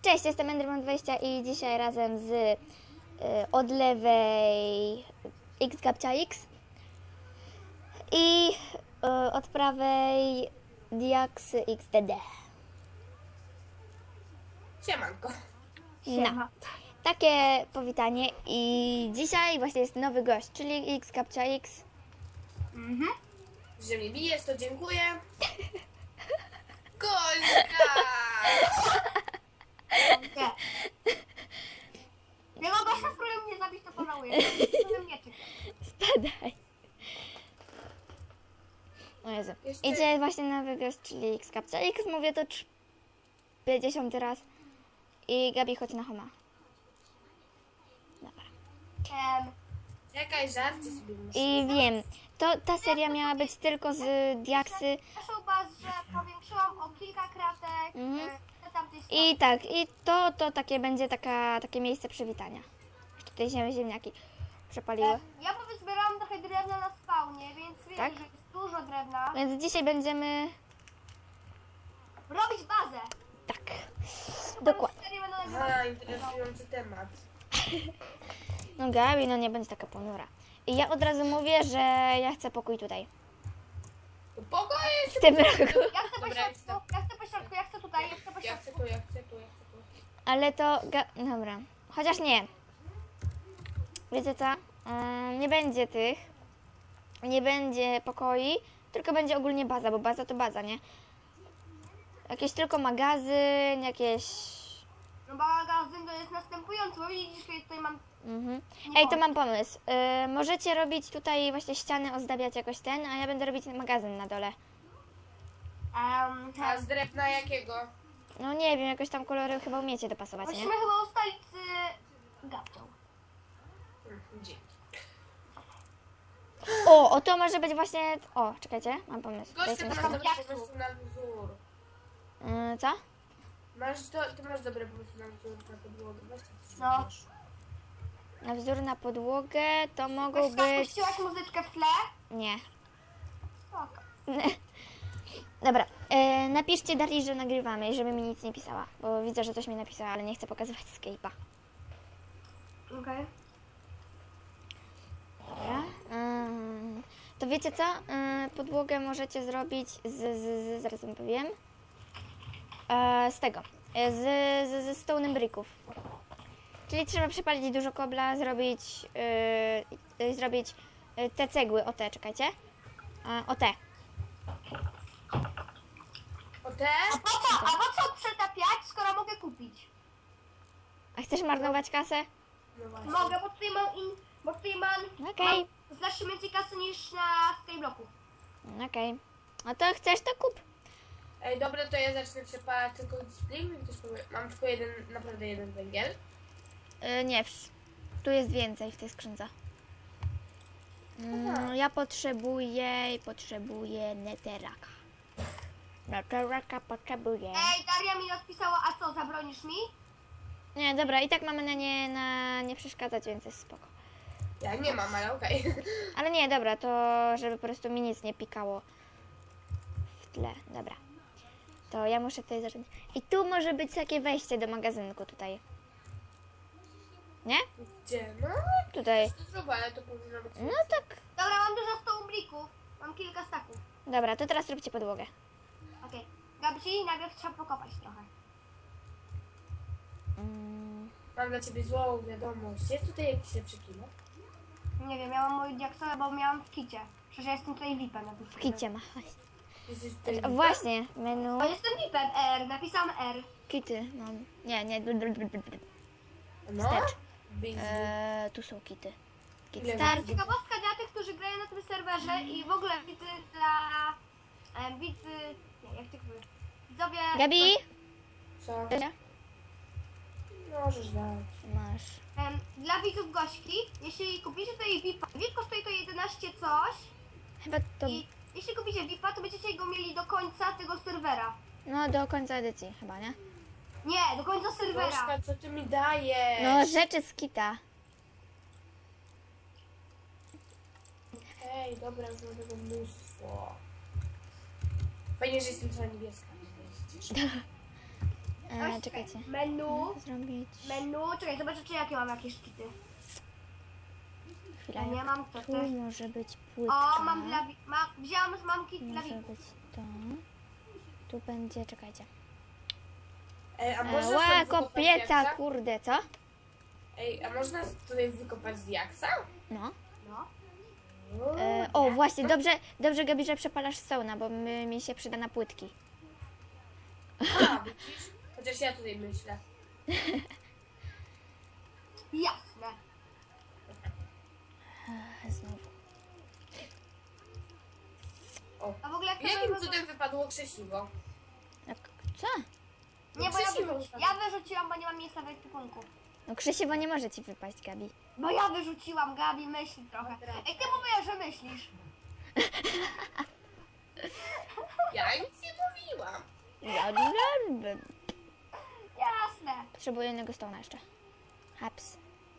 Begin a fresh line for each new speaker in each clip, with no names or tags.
Cześć, jestem Enderman20 i dzisiaj razem z od lewej XGabciaX i od prawej Diax XDD.
Siemanko.
No, takie powitanie i dzisiaj właśnie jest nowy gość, czyli XGabciaX.
Że mnie bijesz, to dziękuję. Golka!
Nie. Tego gościa, z którym mnie zabić, to pożałuję. Którym nie czeka.
Spadaj. O Jezu.
Jeszcze-
Idzie właśnie nowy gość, czyli XGabciaX. Mówię to 50 raz. I Gabi, chodź na homa. Dobra.
Czekaj, żarcie sobie muszę.
I wiem, ta seria miała być tylko z Diaksy.
Proszę was, że powiększyłam o kilka kratek. Tamtej strony.
I tak, i to takie będzie takie miejsce przywitania. Tutaj się ziemniaki przepaliły.
Ja zbierałam trochę drewna na spawnie, więc wiem,
Tak?
że jest dużo drewna.
Więc dzisiaj będziemy...
Robić bazę.
Tak, dokładnie.
Serię będę nagrywać.
Aha, interesujący temat.
No Gabi, no nie będzie taka ponura. I ja od razu mówię, że ja chcę pokój tutaj.
To pokój!
W tym roku.
Ja chcę po
Dobra,
środku, ja chcę po środku, ja chcę tutaj, ja chcę po
Ja chcę
środku.
tu, ja chcę tu, ja chcę tu.
Ale to... Dobra. Chociaż nie. Wiecie co? Nie będzie tych. Nie będzie pokoi, tylko będzie ogólnie baza, bo baza to baza, nie? Jakieś tylko magazyn, jakieś...
No magazyn to jest następujący, bo widzisz, że ja tutaj mam...
Mhm.
Nie
Ej, to
mogę.
mam pomysł. Możecie robić tutaj właśnie ściany, ozdabiać jakoś ten, a ja będę robić magazyn na dole.
A z drewna jakiego?
No nie wiem, jakoś tam kolory chyba umiecie dopasować, nie?
Musimy chyba ustalić z Gabcią.
Dzięki.
O, to może być właśnie... O, czekajcie, mam pomysł.
Goście,
Dajcie mi
ty masz
chwilę.
dobre pomysły na wzór.
Co?
Ty masz dobre pomysły na wzór na podłogę. Weź to coś
No.
rzucisz.
Na wzór na podłogę to mogą
Weź,
być...
puściłaś muzyczkę w tle?
Nie.
Spoko.
Dobra, napiszcie Darii, że nagrywamy i żeby mi nic nie pisała, bo widzę, że coś mi napisała, ale nie chcę pokazywać Skype'a.
Okej.
Dobra. To wiecie co? Podłogę możecie zrobić zaraz wam powiem. Z tego. Ze stone'em bricków. Czyli trzeba przepalić dużo kobla, zrobić te cegły, o te, czekajcie. O te.
O te?
A po co przetapiać, skoro mogę kupić?
A chcesz marnować kasę?
No właśnie.
Mogę, bo tutaj mam
Okej.
znacznie więcej kasy niż na Skyblocku.
Okej. No to chcesz, to kup.
Ej, dobra, to ja zacznę przepalać tylko spring. Mam tylko naprawdę jeden węgiel.
Nie, tu jest więcej w tej skrzynce. Ja potrzebuję netheraka. Netheraka potrzebuję.
Ej, Daria mi odpisała, a co, zabronisz mi?
Nie, dobra, i tak mamy na nie przeszkadzać, więc jest spoko.
Ja nie mam, ale okej.
Ale nie, dobra, to żeby po prostu mi nic nie pikało w tle. Dobra. To ja muszę tutaj zacząć. I tu może być takie wejście do magazynku tutaj. Nie?
Gdzie? No,
Tutaj.
to zrób, ale to powinno być...
No tak.
Dobra, mam dużo stołblików. Mam kilka staków.
Dobra, to teraz róbcie podłogę.
Okej. Gabci, najpierw trzeba pokopać trochę.
Mam dla ciebie złą wiadomość. Jest tutaj jakiś lepszy kilo?
Nie wiem, ja mam moją diaksowę, bo miałam w kicie. Przecież ja jestem tutaj VIP-em.
W kicie ma.
Jesteś tutaj...
Właśnie, menu.
O, jestem VIP-em, R, napisałam R.
Kity mam. Nie.
No?
Wstecz.
Busy.
Tu są kity. Kit
Ile
start.
masz?
Ciekawostka dla tych, którzy grają na tym serwerze i w ogóle widzy dla... widzy... Nie, jak to mówię? Widzowie...
Gabi?
Co? Możesz dać.
Masz.
Dla widzów Gośki, jeśli kupicie tutaj VIP-a, VIP kosztuje to 11 coś
Chyba to...
i jeśli kupicie VIP-a, to będziecie go mieli do końca tego serwera.
No do końca edycji chyba, nie?
Nie, do końca serwera.
Gośka, co ty mi dajesz?
No rzeczy z kita.
Hej, dobra, już mam tego mnóstwo. Fajnie, że jestem cała niebieska.
Czekajcie.
Menu.
Zrobić...
Czekaj, zobaczę, czy jakie mam jakieś kity.
Chwila,
Ja nie
jak
mam to
tu
też.
może być płytka.
O, wzięłam kit dla
Może
widzów.
być to. Tu będzie, czekajcie.
Ej, a można
Ła,
stąd wykopać
kopieca,
diaksa?
kurde, co?
Ej, a można tutaj wykopać z diaksa?
No.
No.
O, właśnie, dobrze Gabi, że przepalasz sauna, bo mi się przyda na płytki.
A, widzisz? Chociaż ja tutaj myślę.
Jasne.
Znowu.
O.
A w ogóle jak to
Jakim
było-
cudem wypadło krzesiwo?
Jak, co?
Nie, bo
Krzesiwo
ja wyrzuciłam, bo nie mam miejsca w ekwipunku.
No krzesiwo nie może ci wypaść, Gabi.
Bo ja wyrzuciłam, Gabi, myśli trochę. Ej, ty mówiłaś, że myślisz.
Ja nic nie mówiłam.
Jasne.
Potrzebuję jednego stona jeszcze. Haps.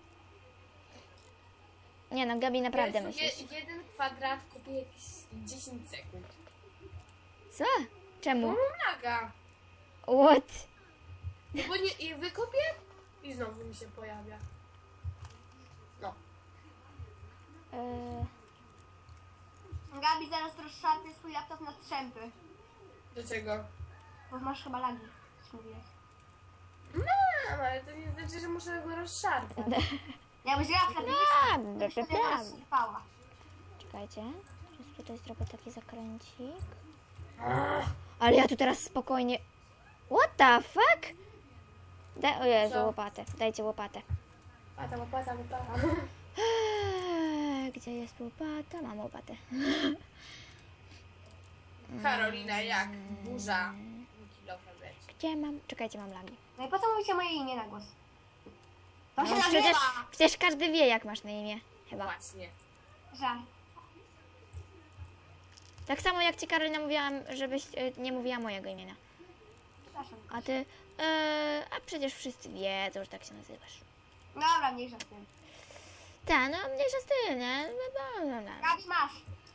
Nie no, Gabi, naprawdę
Jezu,
myślisz.
jeden kwadrat kupię jakieś 10 sekund.
Co? Czemu?
No naga.
What?
No bo nie, i wykopię i znowu mi się pojawia. No.
Gabi, zaraz rozszarpię swój laptop na strzępy.
Dlaczego?
Bo masz chyba lagi, coś mówiłeś.
No, ale to nie znaczy, że muszę go rozszarpać.
Jakbyś grała w
Prawda,
wtedy
prawda.
rozsypała.
Czekajcie. Teraz tutaj zrobię taki zakręcik. Ale ja tu teraz spokojnie... What the fuck? O Jezu,
Co?
łopatę. Dajcie łopatę.
Łopata.
Gdzie jest łopata? Mam łopatę.
Karolina, jak burza. Kilofem leci.
Gdzie mam? Czekajcie, mam lagi.
No i po co mówicie moje imię na głos? To się
No,
nazywa!
przecież każdy wie, jak masz na imię. Chyba.
Właśnie.
Żart.
Tak samo jak ci Karolina mówiłam, żebyś nie mówiła mojego imienia.
Przepraszam.
A ty... a przecież wszyscy wiedzą, że tak się nazywasz.
Dobra, mniejsza z tym.
Tak, no mniejsza z tym, nie?
Gabi, masz.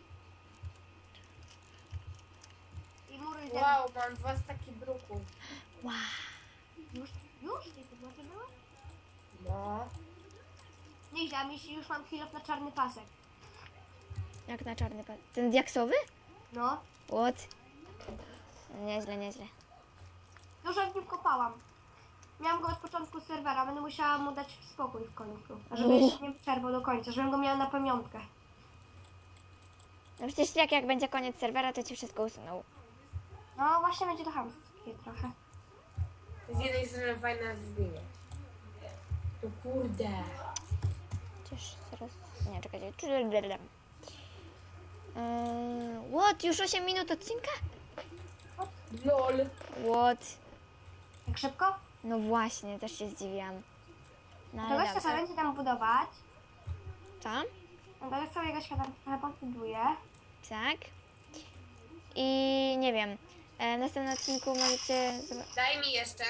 I muruj ze mną.
Wow, mam 2 staki bruku.
Wow.
Już? Tej podłogi były?
No.
Nieźle, a już mam kilof na czarny pasek.
Jak na czarny pas. Ten diaksowy?
No.
What? Nieźle, nieźle.
Dużo w nim kopałam. Miałam go od początku serwera, będę musiała mu dać spokój w końcu. A żeby jeszcze nie przerwał do końca, żebym go miała na pamiątkę.
No przecież jak będzie koniec serwera, to ci wszystko usunął.
No właśnie będzie to chamskie trochę.
To z jednej strony fajne zrobienie. To kurde.
Przecież zaraz... Nie, czekajcie. What? Już 8 minut odcinka?
LOL.
What?
Tak szybko?
No właśnie, też się zdziwiłam. No
To
ale
gościa
dobrze.
sobie będzie tam budować.
Co?
No to sobie gościa tam trochę podbuduje.
Tak. I nie wiem. W następnym odcinku możecie...
Daj mi jeszcze.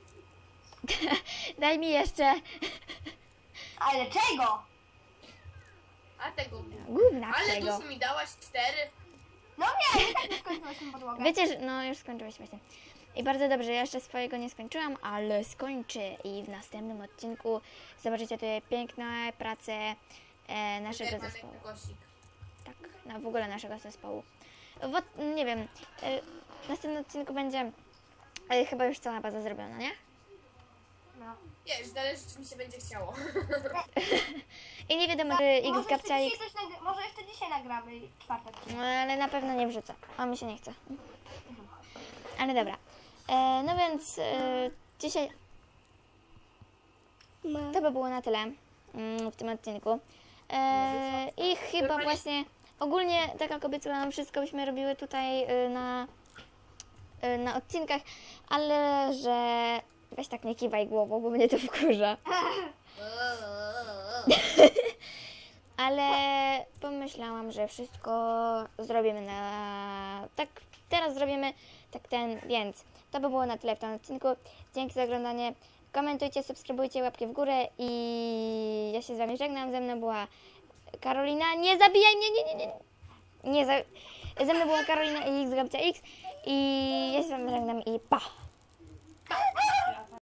Daj mi jeszcze...
Ale czego?
A tego.
Gówna
Ale
tego.
dużo mi dałaś 4.
No nie, tak nie skończyłyśmy podłogę.
Wiecie, że... No już skończyłeś właśnie. I bardzo dobrze, ja jeszcze swojego nie skończyłam, ale skończę i w następnym odcinku zobaczycie tutaj piękne prace naszego zespołu.
Kosik.
Tak, no w ogóle naszego zespołu. Nie wiem, w następnym odcinku będzie chyba już cała baza zrobiona, nie?
No.
Wiesz, zależy czy mi się będzie chciało.
I nie wiadomo, czy X Gabcia X,
Może jeszcze dzisiaj nagramy czwartek.
no, ale na pewno nie wrzucę, a mi się nie chce. Ale dobra, no więc dzisiaj to by było na tyle w tym odcinku. I chyba właśnie ogólnie, tak jak obiecałam, wszystko byśmy robiły tutaj na odcinkach, ale że weź tak nie kiwaj głową, bo mnie to wkurza. Ale pomyślałam, że wszystko zrobimy tak teraz zrobimy więc to by było na tyle w tym odcinku. Dzięki za oglądanie. Komentujcie, subskrybujcie, łapki w górę i ja się z wami żegnam. Ze mną była Karolina. Nie zabijaj mnie, nie. Ze mną była Karolina i X Gabcia X i ja się z wami żegnam i pa!